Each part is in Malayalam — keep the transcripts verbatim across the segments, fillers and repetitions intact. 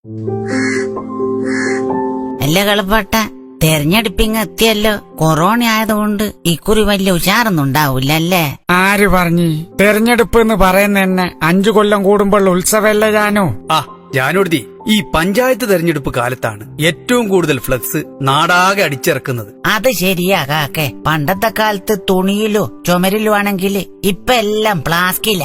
അല്ല കളപ്പാട്ട, തെരഞ്ഞെടുപ്പിങ് എത്തിയല്ലോ. കൊറോണ ആയതുകൊണ്ട് ഇക്കുറി വലിയ ഉഷാറൊന്നും ഉണ്ടാവൂല അല്ലേ? ആര് പറഞ്ഞു? തെരഞ്ഞെടുപ്പ് എന്ന് പറയുന്ന തന്നെ അഞ്ചു കൊല്ലം കൂടുമ്പോൾ ഉത്സവല്ലേ ജാനു? ആ ജാനുടുത്തി, ഈ പഞ്ചായത്ത് തെരഞ്ഞെടുപ്പ് കാലത്താണ് ഏറ്റവും കൂടുതൽ ഫ്ലക്സ് നാടാകെ അടിച്ചിറക്കുന്നത്. അത് ശരിയാ കാക്കെ. പണ്ടത്തെ കാലത്ത് തുണിയിലോ ചുമരിലോ ആണെങ്കിൽ ഇപ്പൊ എല്ലാം പ്ലാസ്റ്റിക്കില്ല.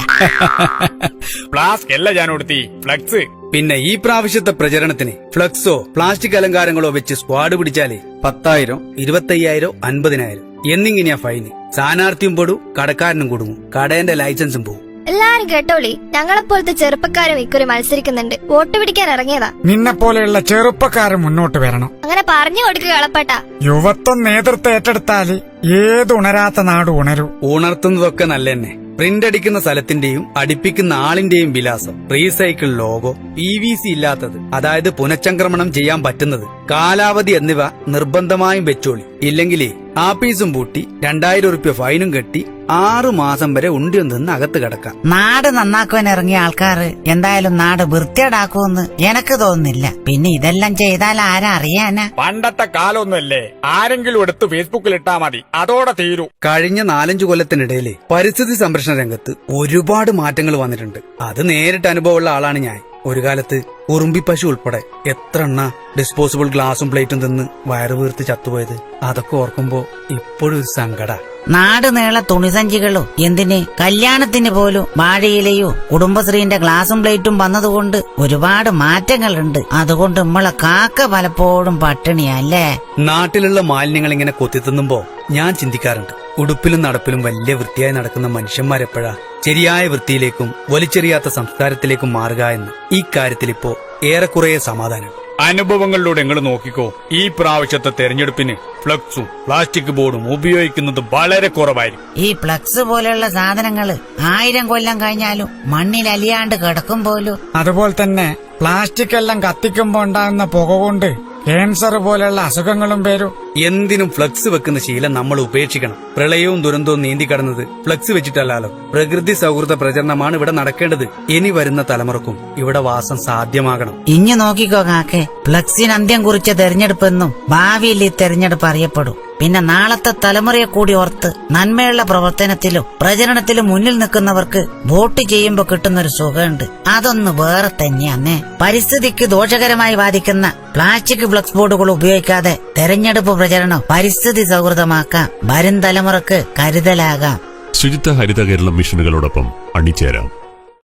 പ്ലാസ്റ്റിക് അല്ല ജാനുടുത്തി, ഫ്ലക്സ്. പിന്നെ ഈ പ്രാവശ്യത്തെ പ്രചരണത്തിന് ഫ്ലക്സോ പ്ലാസ്റ്റിക് അലങ്കാരങ്ങളോ വെച്ച് സ്ക്വാഡ് പിടിച്ചാലേ പത്തായിരം ഇരുപത്തയ്യായിരം അൻപതിനായിരം എന്നിങ്ങനെയാ ഫൈന്. സ്ഥാനാർത്ഥിയും പെടും, കടക്കാരനും കൊടുങ്ങും, കടേന്റെ ലൈസൻസും പോകും. എല്ലാരും കേട്ടോളി, ഞങ്ങളെപ്പോലത്തെ ചെറുപ്പക്കാരും ഇക്കുറി മത്സരിക്കുന്നുണ്ട്. വോട്ട് പിടിക്കാൻ ഇറങ്ങിയതാ. നിന്നെ പോലെയുള്ള ചെറുപ്പക്കാരൻ മുന്നോട്ട് വരണം. അങ്ങനെ പറഞ്ഞു കൊടുക്കുക കളപ്പട്ട. യുവത്വം നേതൃത്വം ഏറ്റെടുത്താല് ഏത് ഉണരാത്ത നാട് ഉണരൂ. ഉണർത്തുന്നതൊക്കെ നല്ല തന്നെ. പ്രിന്റ് അടിക്കുന്ന സ്ഥലത്തിന്റെയും അടിപ്പിക്കുന്ന ആളിന്റെയും വിലാസം, recycle logo, P V C ഇല്ലാത്തത്, അതായത് പുനഃചംക്രമണം ചെയ്യാൻ പറ്റുന്നത്, കാലാവധി എന്നിവ നിർബന്ധമായും വെച്ചോളി. ഇല്ലെങ്കിലേ ആപ്പീസും പൂട്ടി രണ്ടായിരം ഉറുപ്പ്യ ഫൈനും കെട്ടി ആറു മാസം വരെ ഉണ്ടിയും നിന്ന് അകത്ത് കിടക്കാം. നാട് നന്നാക്കുവാൻ ഇറങ്ങിയ ആൾക്കാര് എന്തായാലും നാട് വൃത്തിയേടാക്കുമെന്ന് എനക്ക് തോന്നുന്നില്ല. പിന്നെ ഇതെല്ലാം ചെയ്താൽ ആരാ അറിയാനാ? പണ്ടത്തെ കാലമൊന്നുമല്ലേ, ആരെങ്കിലും എടുത്ത് ഫേസ്ബുക്കിൽ ഇട്ടാ മതി, അതോടെ തീരൂ. കഴിഞ്ഞ നാലഞ്ചു കൊല്ലത്തിനിടയിലെ പരിസ്ഥിതി സംരക്ഷണ രംഗത്ത് ഒരുപാട് മാറ്റങ്ങൾ വന്നിട്ടുണ്ട്. അത് നേരിട്ട് അനുഭവമുള്ള ആളാണ് ഞാൻ. ഒരു കാലത്ത് ഉറുമ്പി പശു ഉൾപ്പെടെ എത്ര എണ്ണ ഡിസ്പോസിബിൾ ഗ്ലാസും പ്ലേറ്റും തിന്ന് വയറ് വീർത്ത് ചത്തുപോയത്. അതൊക്കെ ഓർക്കുമ്പോ ഇപ്പോഴും ഒരു സങ്കട. നാട് നീള തുണിസഞ്ചികളോ എന്തിന് കല്യാണത്തിന് പോലും വാഴയിലയോ കുടുംബശ്രീന്റെ ഗ്ലാസും പ്ലേറ്റും വന്നതുകൊണ്ട് ഒരുപാട് മാറ്റങ്ങളുണ്ട്. അതുകൊണ്ട് നമ്മളെ കാക്ക പലപ്പോഴും പട്ടിണിയല്ലേ? നാട്ടിലുള്ള മാലിന്യങ്ങൾ ഇങ്ങനെ കൊത്തിത്തിന്നുമ്പോ ഞാൻ ചിന്തിക്കാറുണ്ട്, ഉടുപ്പിലും നടപ്പിലും വലിയ വൃത്തിയായി നടക്കുന്ന മനുഷ്യന്മാരെപ്പോഴാ ശരിയായ വൃത്തിയിലേക്കും വലിച്ചെറിയാത്ത സംസ്കാരത്തിലേക്കും മാറുക എന്ന്. ഈ കാര്യത്തിൽ ഇപ്പോ ഏറെക്കുറെ സമാധാനം. അനുഭവങ്ങളിലൂടെ നിങ്ങൾ നോക്കിക്കോ. ഈ പ്രാവശ്യത്തെ തെരഞ്ഞെടുപ്പിന് ഫ്ലക്സും പ്ലാസ്റ്റിക് ബോർഡും ഉപയോഗിക്കുന്നത് വളരെ കുറവായിരിക്കും. ഈ ഫ്ലക്സ് പോലെയുള്ള സാധനങ്ങള് ആയിരം കൊല്ലം കഴിഞ്ഞാലും മണ്ണിൽ അലിയാണ്ട് കിടക്കും പോലും. അതുപോലെ തന്നെ പ്ലാസ്റ്റിക് എല്ലാം കത്തിക്കുമ്പോ ഉണ്ടാകുന്ന പുക കൊണ്ട് ക്യാൻസർ പോലെയുള്ള അസുഖങ്ങളും വരും. എന്തിനും ഫ്ലക്സ് വെക്കുന്ന ശീലം നമ്മൾ ഉപേക്ഷിക്കണം. പ്രളയവും ദുരന്തവും നീന്തിക്കടന്നത് ഫ്ലക്സ് വെച്ചിട്ടല്ലോ. പ്രകൃതി സൗഹൃദ പ്രചരണമാണ് ഇവിടെ നടക്കേണ്ടത്. ഇനി വരുന്ന തലമുറക്കും ഇവിടെ വാസം സാധ്യമാകണം. ഇഞ്ഞു നോക്കിക്കോ കാക്കെ, ഫ്ലക്സിന് അന്ത്യം കുറിച്ച തെരഞ്ഞെടുപ്പെന്നും ഭാവിയിൽ ഈ തെരഞ്ഞെടുപ്പ് അറിയപ്പെടും. പിന്നെ നാളത്തെ തലമുറയെ കൂടി ഓർത്ത് നന്മയുള്ള പ്രവർത്തനത്തിലും പ്രചരണത്തിലും മുന്നിൽ നിൽക്കുന്നവർക്ക് വോട്ട് ചെയ്യുമ്പോ കിട്ടുന്നൊരു സുഖമുണ്ട്. അതൊന്ന് വേറെ തന്നെയാന്നേ. പരിസ്ഥിതിക്ക് ദോഷകരമായി ബാധിക്കുന്ന പ്ലാസ്റ്റിക് ഫ്ലക്സ് ബോർഡുകൾ ഉപയോഗിക്കാതെ തെരഞ്ഞെടുപ്പ് പ്രചരണം പരിസ്ഥിതി സൗഹൃദമാക്കാം. വരും തലമുറക്ക് കരുതലാകാം. ശുചിത്വ ഹരിത കേരളം മിഷനുകളോടൊപ്പം അണിചേരാം.